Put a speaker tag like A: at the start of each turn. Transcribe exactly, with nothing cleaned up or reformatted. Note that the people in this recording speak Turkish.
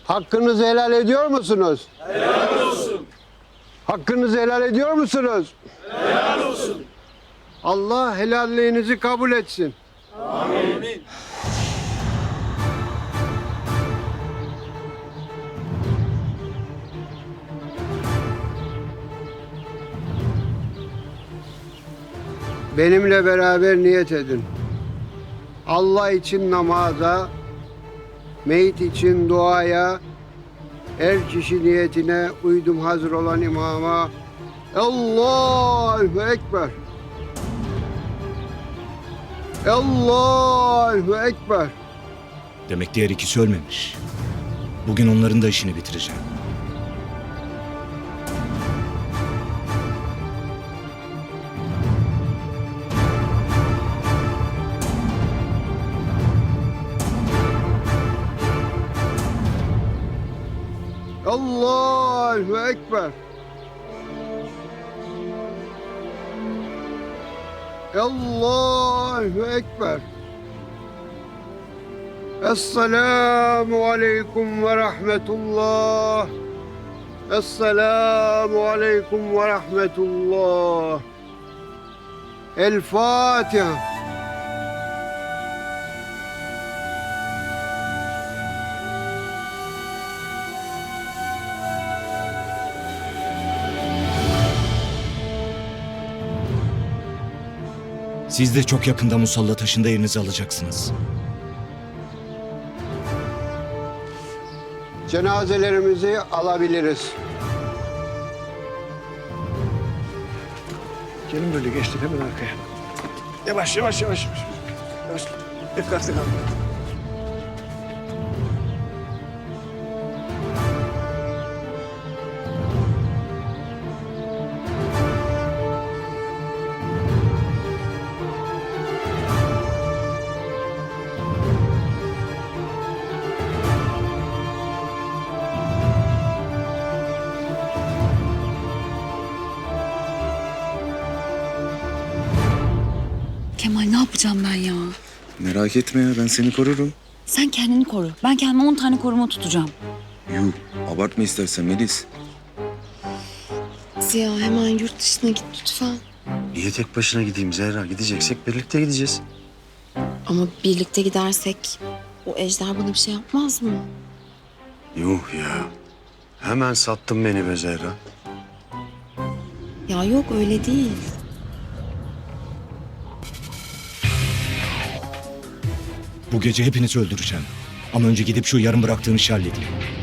A: Hakkınızı helal ediyor musunuz? Helal olsun. Hakkınızı helal ediyor musunuz? Helal olsun. Allah helalliğinizi kabul etsin. Amin. Benimle beraber niyet edin. Allah için namaza, meyit için duaya, her kişi niyetine uydum hazır olan imama. Allahu Ekber. Allahu Ekber.
B: Demek diğer ikisi ölmemiş. Bugün onların da işini bitireceğim.
A: Allahu Ekber. Allahu Ekber. Esselamu Aleyküm ve Rahmetullah. Esselamu Aleyküm ve Rahmetullah. El Fatiha.
B: Siz de çok yakında musalla taşında yerinizi alacaksınız.
A: Cenazelerimizi alabiliriz.
C: Gelin böyle geçtik hemen arkaya. Yavaş yavaş yavaş. Yavaş. Yavaş. Dikkatli kal.
D: Kemal ne yapacağım ben ya?
E: Merak etme ya, ben seni korurum.
D: Sen kendini koru. Ben kendime on tane koruma tutacağım.
E: Yuh, abartma istersen Melis.
F: Ziya hemen yurt dışına git lütfen.
C: Niye tek başına gideyim Zehra? Gideceksek birlikte gideceğiz.
F: Ama birlikte gidersek o ejder bana bir şey yapmaz mı?
C: Yuh ya. Hemen sattın beni be Zehra.
F: Ya yok öyle değil.
B: Bu gece hepinizi öldüreceğim. Ama önce gidip şu yarım bıraktığım işi halledeyim.